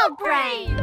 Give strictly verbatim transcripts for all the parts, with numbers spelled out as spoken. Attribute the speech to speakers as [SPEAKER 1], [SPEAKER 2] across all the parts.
[SPEAKER 1] Adult Brain.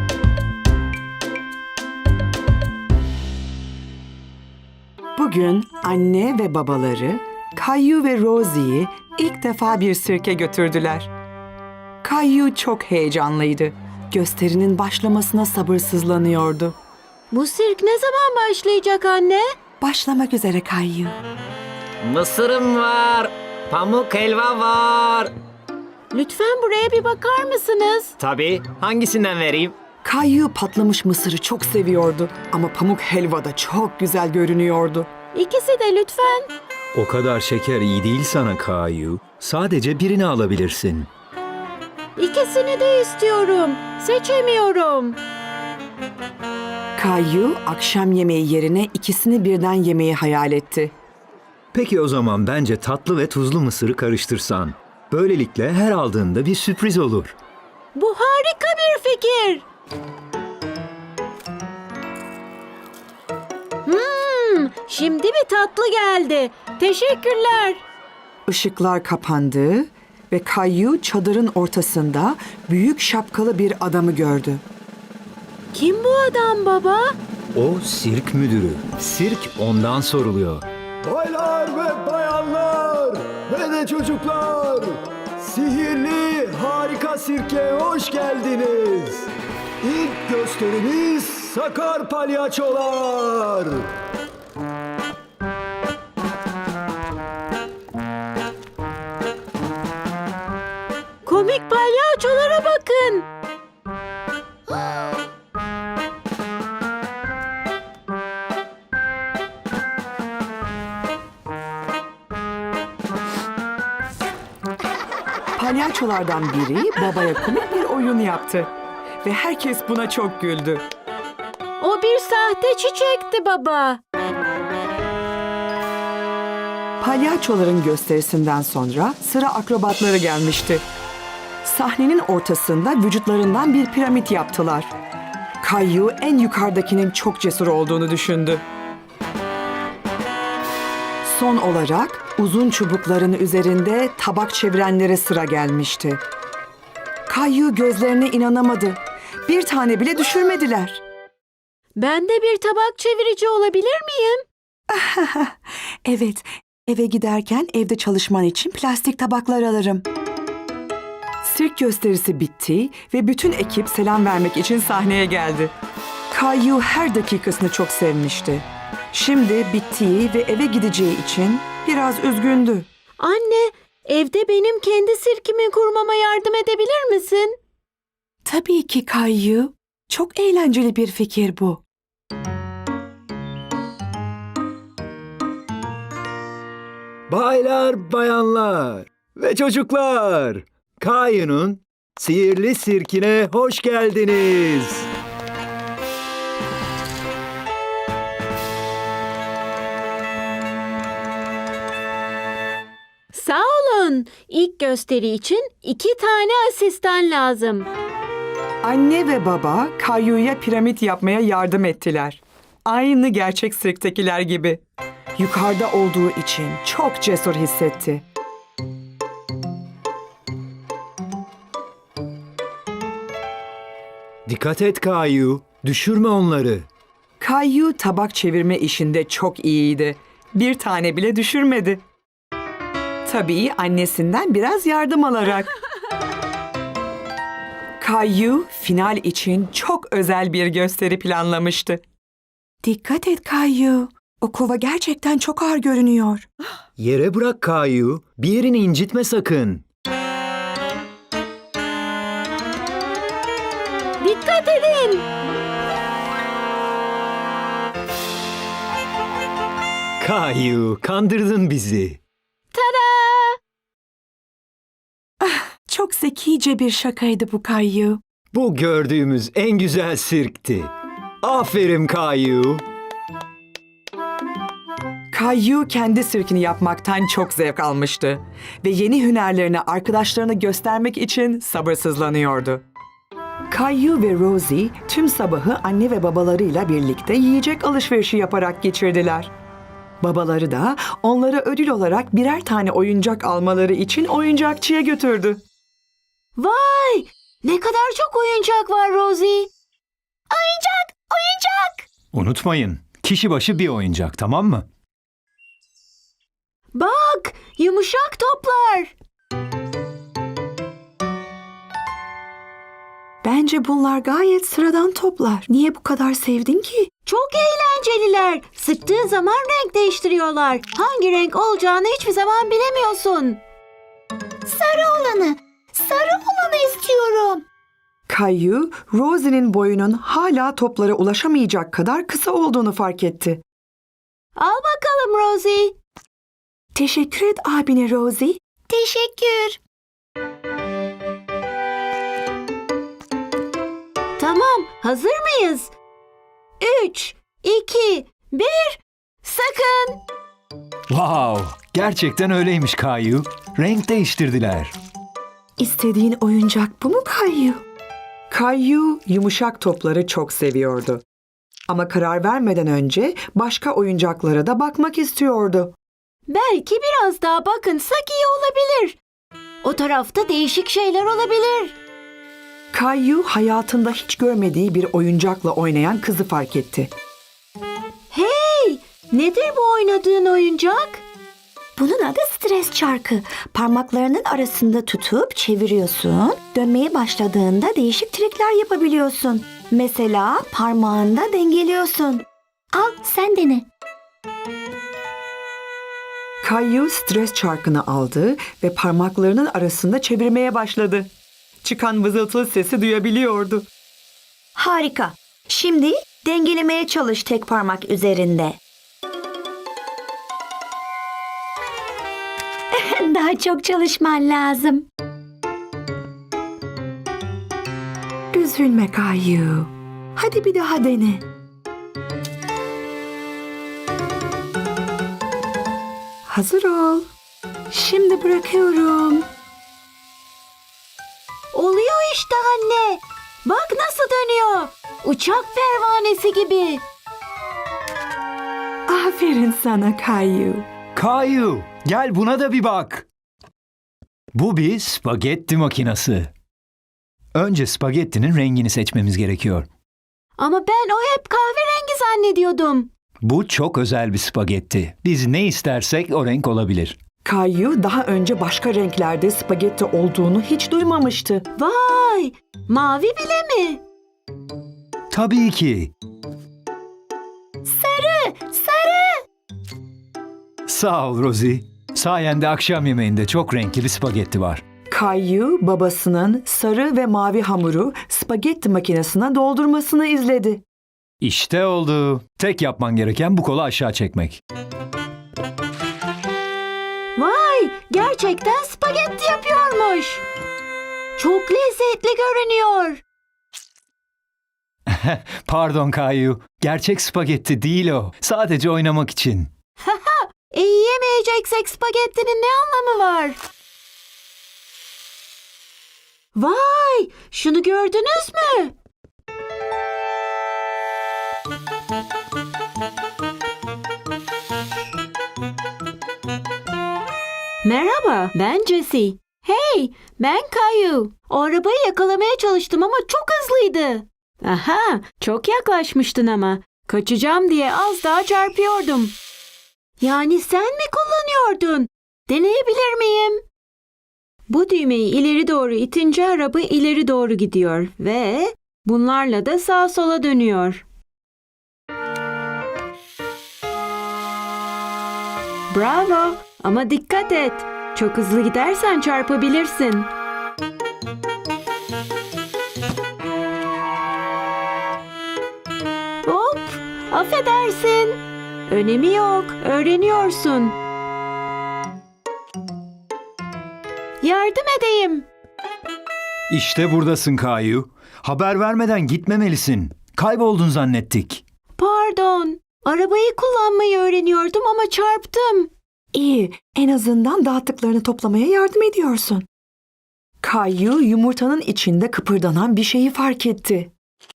[SPEAKER 2] Bugün anne ve babaları Caillou ve Rosie'yi ilk defa bir sirke götürdüler. Caillou çok heyecanlıydı. Gösterinin başlamasına sabırsızlanıyordu.
[SPEAKER 3] Bu sirk ne zaman başlayacak anne?
[SPEAKER 2] Başlamak üzere Caillou.
[SPEAKER 4] Mısırım var, pamuk helva var.
[SPEAKER 3] Lütfen buraya bir bakar mısınız?
[SPEAKER 4] Tabii, hangisinden vereyim?
[SPEAKER 2] Caillou patlamış mısırı çok seviyordu ama pamuk helva da çok güzel görünüyordu.
[SPEAKER 3] İkisi de lütfen.
[SPEAKER 5] O kadar şeker iyi değil sana Caillou. Sadece birini alabilirsin.
[SPEAKER 3] İkisini de istiyorum. Seçemiyorum.
[SPEAKER 2] Caillou akşam yemeği yerine ikisini birden yemeyi hayal etti.
[SPEAKER 5] Peki o zaman bence tatlı ve tuzlu mısırı karıştırsan. Böylelikle her aldığında bir sürpriz olur.
[SPEAKER 3] Bu harika bir fikir. Hmm, şimdi bir tatlı geldi. Teşekkürler.
[SPEAKER 2] Işıklar kapandı ve Caillou çadırın ortasında büyük şapkalı bir adamı gördü.
[SPEAKER 3] Kim bu adam baba?
[SPEAKER 5] O sirk müdürü. Sirk ondan soruluyor.
[SPEAKER 6] Baylar ve bayanlar ve de çocuklar, sihirli harika sirke hoş geldiniz. İlk gösterimiz Sakar Palyaçolar.
[SPEAKER 3] Komik palyaçolara bakın.
[SPEAKER 2] Palyaçolardan biri babaya komik bir oyun yaptı ve herkes buna çok güldü.
[SPEAKER 3] O bir sahte çiçekti baba.
[SPEAKER 2] Palyaçoların gösterisinden sonra sıra akrobatları gelmişti. Sahnenin ortasında vücutlarından bir piramit yaptılar. Caillou en yukarıdakinin çok cesur olduğunu düşündü. Son olarak uzun çubukların üzerinde tabak çevirenlere sıra gelmişti. Caillou gözlerine inanamadı. Bir tane bile düşürmediler.
[SPEAKER 3] Ben de bir tabak çevirici olabilir miyim?
[SPEAKER 2] Evet, eve giderken evde çalışman için plastik tabaklar alırım. Sirk gösterisi bitti ve bütün ekip selam vermek için sahneye geldi. Caillou her dakikasını çok sevmişti. Şimdi bittiği ve eve gideceği için biraz üzgündü.
[SPEAKER 3] Anne, evde benim kendi sirkimi kurmama yardım edebilir misin?
[SPEAKER 2] Tabii ki Caillou. Çok eğlenceli bir fikir bu.
[SPEAKER 5] Baylar, bayanlar ve çocuklar. Caillou'nun sihirli sirkine hoş geldiniz.
[SPEAKER 3] Sağ olun. İlk gösteri için iki tane asistan lazım.
[SPEAKER 2] Anne ve baba Caillou'ya piramit yapmaya yardım ettiler. Aynı gerçek sirktekiler gibi. Yukarıda olduğu için çok cesur hissetti.
[SPEAKER 5] Dikkat et Caillou, düşürme onları.
[SPEAKER 2] Caillou tabak çevirme işinde çok iyiydi. Bir tane bile düşürmedi. Tabii annesinden biraz yardım alarak. Caillou final için çok özel bir gösteri planlamıştı. Dikkat et Caillou. O kova gerçekten çok ağır görünüyor.
[SPEAKER 5] Yere bırak Caillou, bir yerini incitme sakın.
[SPEAKER 3] Dikkat edin.
[SPEAKER 5] Caillou, kandırdın bizi.
[SPEAKER 3] Tada!
[SPEAKER 2] Çok zekice bir şakaydı bu Caillou.
[SPEAKER 5] Bu gördüğümüz en güzel sirkti. Aferin Caillou.
[SPEAKER 2] Caillou kendi sirkini yapmaktan çok zevk almıştı ve yeni hünerlerini arkadaşlarına göstermek için sabırsızlanıyordu. Caillou ve Rosie tüm sabahı anne ve babalarıyla birlikte yiyecek alışverişi yaparak geçirdiler. Babaları da onlara ödül olarak birer tane oyuncak almaları için oyuncakçıya götürdü.
[SPEAKER 3] Vay! Ne kadar çok oyuncak var Rosie. Oyuncak, oyuncak.
[SPEAKER 5] Unutmayın, kişi başı bir oyuncak, tamam mı?
[SPEAKER 3] Bak, yumuşak toplar.
[SPEAKER 2] Bence bunlar gayet sıradan toplar. Niye bu kadar sevdin ki?
[SPEAKER 3] Çok eğlenceliler. Sıktığın zaman renk değiştiriyorlar. Hangi renk olacağını hiçbir zaman bilemiyorsun. Sarı olanı, sarı olanı istiyorum.
[SPEAKER 2] Caillou, Rosie'nin boyunun hala toplara ulaşamayacak kadar kısa olduğunu fark etti.
[SPEAKER 3] Al bakalım Rosie.
[SPEAKER 2] Teşekkür et abine Rosie.
[SPEAKER 3] Teşekkür. Tamam, hazır mıyız? Üç, iki, bir, sakın.
[SPEAKER 5] Wow, gerçekten öyleymiş Caillou. Renk değiştirdiler.
[SPEAKER 2] İstediğin oyuncak bu mu Caillou? Caillou yumuşak topları çok seviyordu. Ama karar vermeden önce başka oyuncaklara da bakmak istiyordu.
[SPEAKER 3] Belki biraz daha bakınsak iyi olabilir. O tarafta değişik şeyler olabilir.
[SPEAKER 2] Caillou hayatında hiç görmediği bir oyuncakla oynayan kızı fark etti.
[SPEAKER 3] Hey, nedir bu oynadığın oyuncak?
[SPEAKER 1] Bunun adı stres çarkı. Parmaklarının arasında tutup çeviriyorsun. Dönmeye başladığında değişik trikler yapabiliyorsun. Mesela parmağında dengeliyorsun. Al sen dene.
[SPEAKER 2] Caillou stres çarkını aldı ve parmaklarının arasında çevirmeye başladı. Çıkan vızıltılı sesi duyabiliyordu.
[SPEAKER 1] Harika. Şimdi dengelemeye çalış tek parmak üzerinde. Daha çok çalışman lazım.
[SPEAKER 2] Üzülme Caillou. Hadi bir daha dene. Hazır ol. Şimdi bırakıyorum.
[SPEAKER 3] Oluyor işte anne. Bak nasıl dönüyor. Uçak pervanesi gibi.
[SPEAKER 2] Aferin sana Caillou.
[SPEAKER 5] Caillou, gel buna da bir bak. Bu bir spagetti makinesi. Önce spagettinin rengini seçmemiz gerekiyor.
[SPEAKER 3] Ama ben o hep kahverengi zannediyordum.
[SPEAKER 5] Bu çok özel bir spagetti. Biz ne istersek o renk olabilir.
[SPEAKER 2] Caillou daha önce başka renklerde spagetti olduğunu hiç duymamıştı.
[SPEAKER 3] Vay, mavi bile mi?
[SPEAKER 5] Tabii ki.
[SPEAKER 3] Sarı, sarı.
[SPEAKER 5] Sağ ol Rosie. Sayende akşam yemeğinde çok renkli bir spagetti var.
[SPEAKER 2] Caillou babasının sarı ve mavi hamuru spagetti makinesine doldurmasını izledi.
[SPEAKER 5] İşte oldu. Tek yapman gereken bu kolu aşağı çekmek.
[SPEAKER 3] Vay, gerçekten spagetti yapıyormuş. Çok lezzetli görünüyor.
[SPEAKER 5] Pardon Caillou. Gerçek spagetti değil o. Sadece oynamak için.
[SPEAKER 3] E yiyemeyeceksek spagettinin ne anlamı var? Vay, şunu gördünüz mü? Merhaba, ben Jessie. Hey, ben Caillou. O arabayı yakalamaya çalıştım ama çok hızlıydı. Aha, çok yaklaşmıştın ama. Kaçacağım diye az daha çarpıyordum. Yani sen mi kullanıyordun? Deneyebilir miyim? Bu düğmeyi ileri doğru itince araba ileri doğru gidiyor ve bunlarla da sağa sola dönüyor. Bravo, ama dikkat et. Çok hızlı gidersen çarpabilirsin. Hop, affedersin. Önemi yok, öğreniyorsun. Yardım edeyim.
[SPEAKER 5] İşte buradasın Caillou. Haber vermeden gitmemelisin. Kayboldun zannettik.
[SPEAKER 3] Pardon, arabayı kullanmayı öğreniyordum ama çarptım.
[SPEAKER 2] İyi, en azından dağıttıklarını toplamaya yardım ediyorsun. Caillou yumurtanın içinde kıpırdanan bir şeyi fark etti.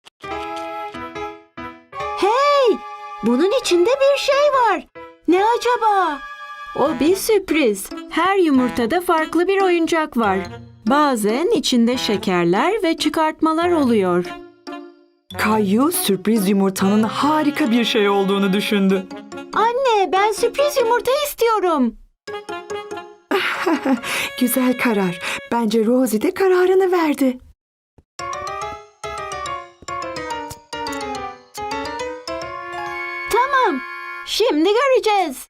[SPEAKER 3] Hey, bunun içinde bir şey var. Ne acaba? O bir sürpriz. Her yumurtada farklı bir oyuncak var. Bazen içinde şekerler ve çıkartmalar oluyor.
[SPEAKER 2] Kayu sürpriz yumurtanın harika bir şey olduğunu düşündü.
[SPEAKER 3] Anne, ben sürpriz yumurta istiyorum.
[SPEAKER 2] Güzel karar. Bence Rosie de kararını verdi.
[SPEAKER 3] Tamam, şimdi göreceğiz.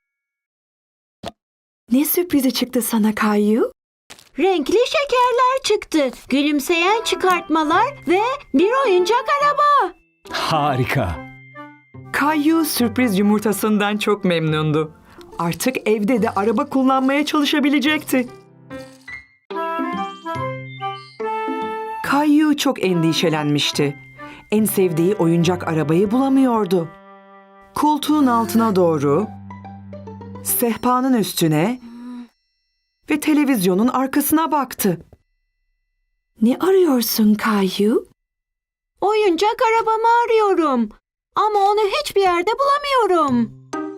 [SPEAKER 2] Ne sürprizi çıktı sana Kayu?
[SPEAKER 3] Renkli şekerler çıktı, gülümseyen çıkartmalar ve bir oyuncak araba.
[SPEAKER 5] Harika.
[SPEAKER 2] Kayu sürpriz yumurtasından çok memnundu. Artık evde de araba kullanmaya çalışabilecekti. Kayu çok endişelenmişti. En sevdiği oyuncak arabayı bulamıyordu. Koltuğun altına doğru, sehpanın üstüne ve televizyonun arkasına baktı. Ne arıyorsun Kayu?
[SPEAKER 3] Oyuncak arabamı arıyorum ama onu hiçbir yerde bulamıyorum.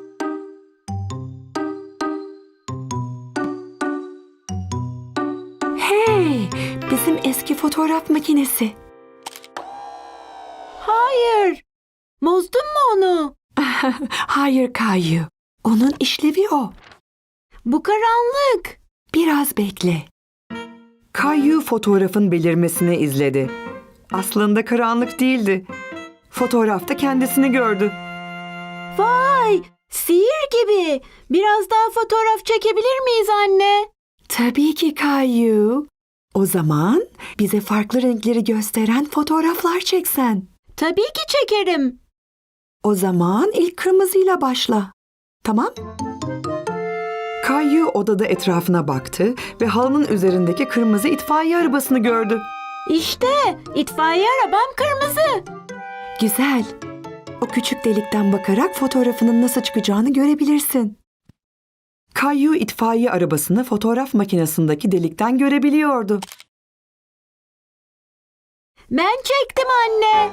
[SPEAKER 2] Hey, bizim eski fotoğraf makinesi.
[SPEAKER 3] Hayır, bozdun mu onu?
[SPEAKER 2] Hayır Kayu, onun işlevi o.
[SPEAKER 3] Bu karanlık.
[SPEAKER 2] Biraz bekle. Kayu fotoğrafın belirmesini izledi. Aslında karanlık değildi. Fotoğrafta kendisini gördü.
[SPEAKER 3] Vay, sihir gibi. Biraz daha fotoğraf çekebilir miyiz anne?
[SPEAKER 2] Tabii ki Kayu. O zaman bize farklı renkleri gösteren fotoğraflar çeksen.
[SPEAKER 3] Tabii ki çekerim.
[SPEAKER 2] O zaman ilk kırmızıyla başla. Tamam? Kayu odada etrafına baktı ve halının üzerindeki kırmızı itfaiye arabasını gördü.
[SPEAKER 3] İşte itfaiye arabam kırmızı.
[SPEAKER 2] Güzel. O küçük delikten bakarak fotoğrafının nasıl çıkacağını görebilirsin. Kayu itfaiye arabasını fotoğraf makinesindeki delikten görebiliyordu.
[SPEAKER 3] Ben çektim anne.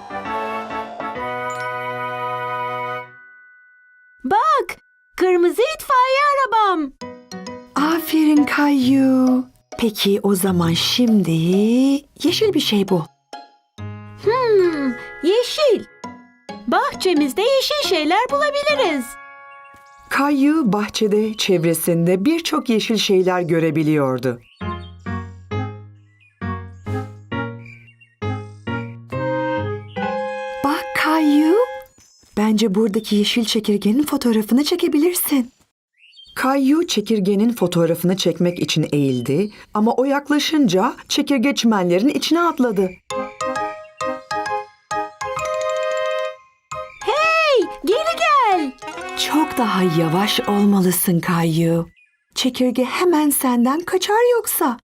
[SPEAKER 3] Bak, kırmızı itfaiye arabam.
[SPEAKER 2] Aferin Kayu. Peki o zaman şimdi yeşil bir şey bul.
[SPEAKER 3] Hmm, yeşil. Bahçemizde yeşil şeyler bulabiliriz.
[SPEAKER 2] Kayu bahçede, çevresinde birçok yeşil şeyler görebiliyordu. Bak Kayu, bence buradaki yeşil çekirgenin fotoğrafını çekebilirsin. Kayu çekirgenin fotoğrafını çekmek için eğildi ama o yaklaşınca çekirge çimenlerin içine atladı.
[SPEAKER 3] Hey, geri gel.
[SPEAKER 2] Çok daha yavaş olmalısın Kayu. Çekirge hemen senden kaçar yoksa.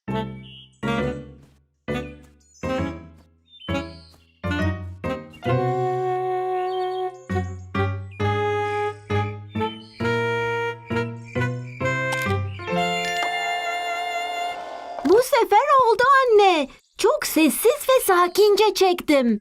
[SPEAKER 3] Bu sefer oldu anne. Çok sessiz ve sakince çektim.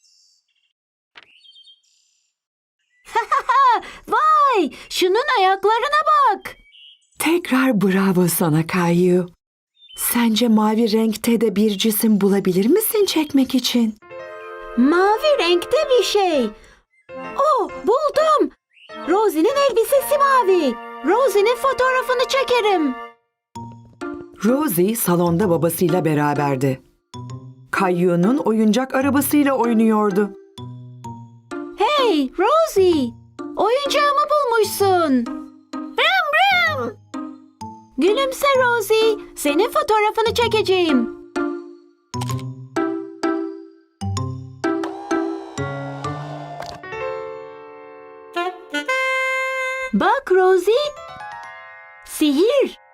[SPEAKER 3] Vay, şunun ayaklarına bak.
[SPEAKER 2] Tekrar bravo sana Kayu. Sence mavi renkte de bir cisim bulabilir misin çekmek için?
[SPEAKER 3] Mavi renkte bir şey. Oh, buldum. Rosie'nin elbisesi mavi. Rosie'nin fotoğrafını çekerim.
[SPEAKER 2] Rosie salonda babasıyla beraberdi. Kayu'nun oyuncak arabasıyla oynuyordu.
[SPEAKER 3] Hey Rosie, oyuncağımı bulmuşsun. Ram ram. Gülümse Rosie, senin fotoğrafını çekeceğim. Bak Rosie, sihir.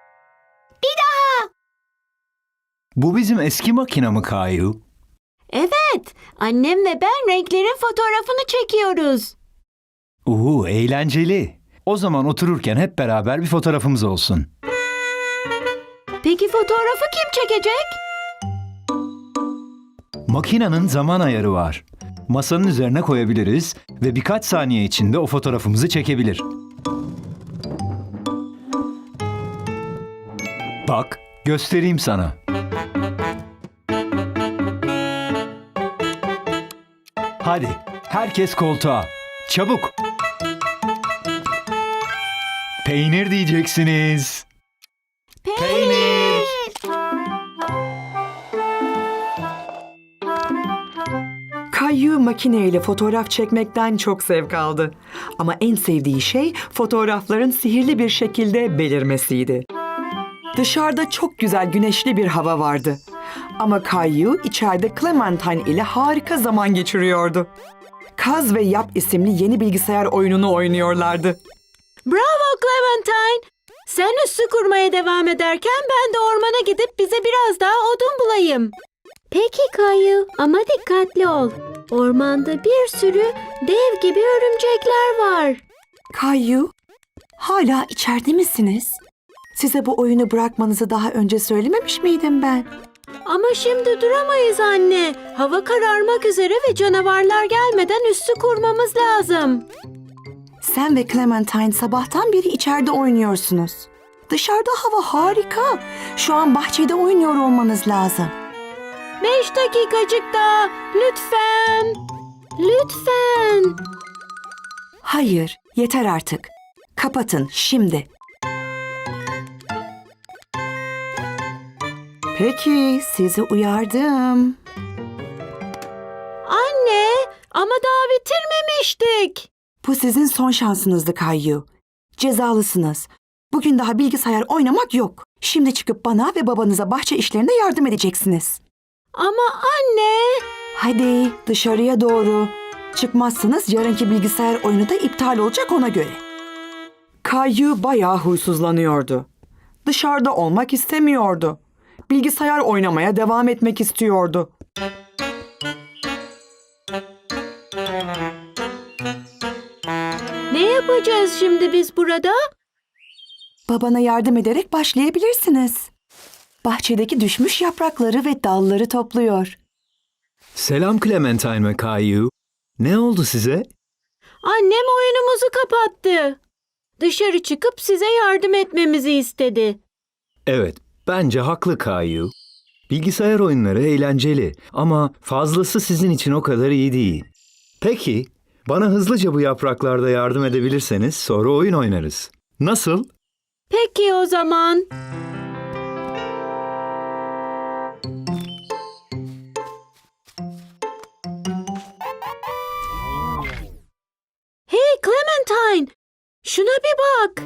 [SPEAKER 5] Bu bizim eski makina mı Kayu?
[SPEAKER 3] Evet, annem ve ben renklerin fotoğrafını çekiyoruz.
[SPEAKER 5] Uhu, eğlenceli. O zaman otururken hep beraber bir fotoğrafımız olsun.
[SPEAKER 3] Peki fotoğrafı kim çekecek?
[SPEAKER 5] Makinenin zaman ayarı var. Masanın üzerine koyabiliriz ve birkaç saniye içinde o fotoğrafımızı çekebilir. Bak, göstereyim sana. Hadi, herkes koltuğa. Çabuk. Peynir diyeceksiniz. Peynir.
[SPEAKER 2] Kayu makineyle fotoğraf çekmekten çok zevk aldı. Ama en sevdiği şey fotoğrafların sihirli bir şekilde belirmesiydi. Dışarıda çok güzel güneşli bir hava vardı. Ama Kayu içeride Clementine ile harika zaman geçiriyordu. Kaz ve Yap isimli yeni bilgisayar oyununu oynuyorlardı.
[SPEAKER 3] Bravo Clementine. Sen üssü kurmaya devam ederken ben de ormana gidip bize biraz daha odun bulayım. Peki Kayu ama dikkatli ol. Ormanda bir sürü dev gibi örümcekler var.
[SPEAKER 2] Kayu, hala içeride misiniz? Size bu oyunu bırakmanızı daha önce söylememiş miydim ben?
[SPEAKER 3] Ama şimdi duramayız anne. Hava kararmak üzere ve canavarlar gelmeden üssü kurmamız lazım.
[SPEAKER 2] Sen ve Clementine sabahtan beri içeride oynuyorsunuz. Dışarıda hava harika. Şu an bahçede oynuyor olmanız lazım.
[SPEAKER 3] Beş dakikacık daha. Lütfen. Lütfen.
[SPEAKER 2] Hayır, yeter artık. Kapatın şimdi. Peki, sizi uyardım.
[SPEAKER 3] Anne ama daha bitirmemiştik.
[SPEAKER 2] Bu sizin son şansınızdı Kayu. Cezalısınız. Bugün daha bilgisayar oynamak yok. Şimdi çıkıp bana ve babanıza bahçe işlerinde yardım edeceksiniz.
[SPEAKER 3] Ama anne.
[SPEAKER 2] Hadi dışarıya doğru. Çıkmazsanız yarınki bilgisayar oyunu da iptal olacak ona göre. Kayu bayağı huysuzlanıyordu. Dışarıda olmak istemiyordu. Bilgisayar oynamaya devam etmek istiyordu.
[SPEAKER 3] Ne yapacağız şimdi biz burada?
[SPEAKER 2] Babana yardım ederek başlayabilirsiniz. Bahçedeki düşmüş yaprakları ve dalları topluyor.
[SPEAKER 5] Selam Clementine ve Kayu. Ne oldu size?
[SPEAKER 3] Annem oyunumuzu kapattı. Dışarı çıkıp size yardım etmemizi istedi.
[SPEAKER 5] Evet, bence haklı Kayu. Bilgisayar oyunları eğlenceli ama fazlası sizin için o kadar iyi değil. Peki, bana hızlıca bu yapraklarda yardım edebilirseniz sonra oyun oynarız. Nasıl?
[SPEAKER 3] Peki o zaman. Hey Clementine, şuna bir bak.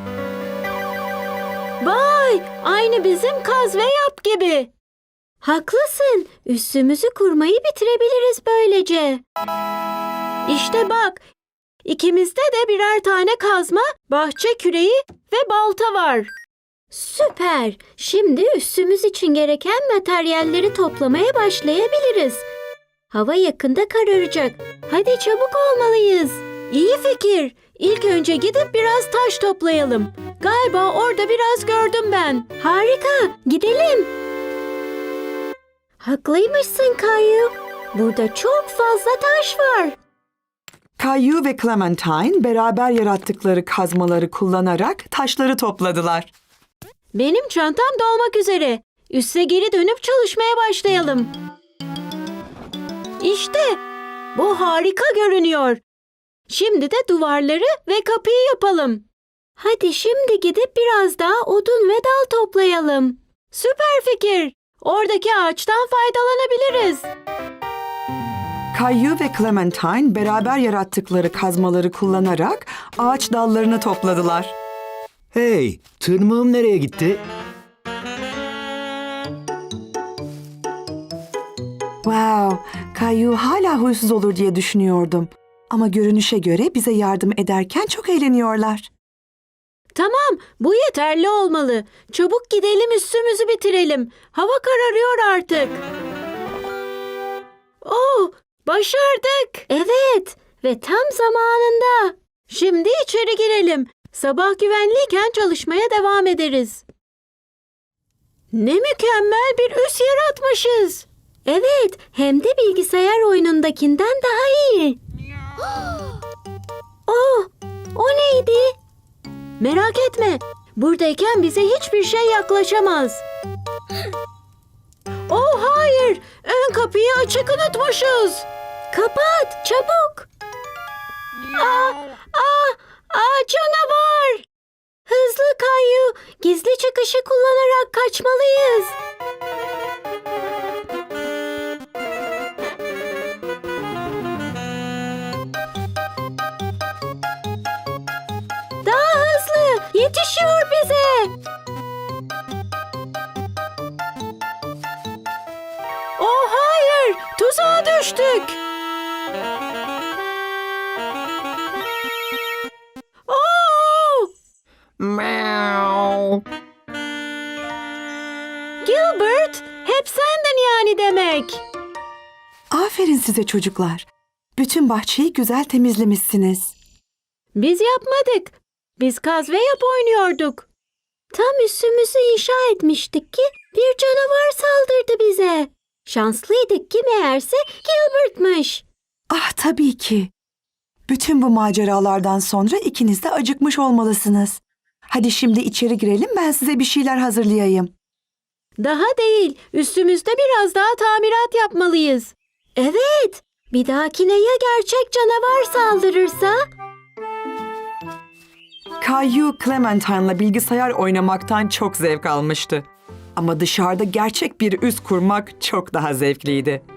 [SPEAKER 3] Vay, aynı bizim Kaz ve Yap gibi. Haklısın, üssümüzü kurmayı bitirebiliriz böylece. İşte bak, ikimizde de birer tane kazma, bahçe küreği ve balta var. Süper. Şimdi üssümüz için gereken materyalleri toplamaya başlayabiliriz. Hava yakında kararacak. Hadi çabuk olmalıyız. İyi fikir. İlk önce gidip biraz taş toplayalım. Galiba orada biraz gördüm ben. Harika. Gidelim. Haklıymışsın Kayu. Burada çok fazla taş var.
[SPEAKER 2] Kayu ve Clementine beraber yarattıkları kazmaları kullanarak taşları topladılar.
[SPEAKER 3] Benim çantam dolmak üzere. Üsse geri dönüp çalışmaya başlayalım. İşte bu harika görünüyor. Şimdi de duvarları ve kapıyı yapalım. Hadi şimdi gidip biraz daha odun ve dal toplayalım. Süper fikir. Oradaki ağaçtan faydalanabiliriz.
[SPEAKER 2] Kayu ve Clementine beraber yarattıkları kazmaları kullanarak ağaç dallarını topladılar.
[SPEAKER 5] Hey, tırmığım nereye gitti?
[SPEAKER 2] Wow, Kayu hala huysuz olur diye düşünüyordum. Ama görünüşe göre bize yardım ederken çok eğleniyorlar.
[SPEAKER 3] Tamam, bu yeterli olmalı. Çabuk gidelim üstümüzü bitirelim. Hava kararıyor artık. Oh, başardık. Evet ve tam zamanında. Şimdi içeri girelim. Sabah güvenliyken çalışmaya devam ederiz. Ne mükemmel bir üs yaratmışız. Evet, hem de bilgisayar oyunundakinden daha iyi. Oh, o neydi? Merak etme, buradayken bize hiçbir şey yaklaşamaz. Oh hayır, ön kapıyı açık unutmuşuz. Kapat, çabuk. Aa, aa, aa, canavar. Hızlı Kayu, gizli çıkışı kullanarak kaçmalıyız. Daha hızlı, yetişiyor bize. Oh hayır, tuzağa düştük. Oh!
[SPEAKER 4] Meow.
[SPEAKER 3] Gilbert, hep sendin yani demek.
[SPEAKER 2] Aferin size çocuklar. Bütün bahçeyi güzel temizlemişsiniz.
[SPEAKER 3] Biz yapmadık. Biz kaz ve yap oynuyorduk. Tam üstümüzü inşa etmiştik ki bir canavar saldırdı bize. Şanslıydık ki meğerse Gilbert'mış.
[SPEAKER 2] Ah tabii ki. Bütün bu maceralardan sonra ikiniz de acıkmış olmalısınız. Hadi şimdi içeri girelim, ben size bir şeyler hazırlayayım.
[SPEAKER 3] Daha değil, üstümüzde biraz daha tamirat yapmalıyız. Evet, bir dahakine ya gerçek canavar saldırırsa?
[SPEAKER 2] Caillou Clementine'la bilgisayar oynamaktan çok zevk almıştı. Ama dışarıda gerçek bir üs kurmak çok daha zevkliydi.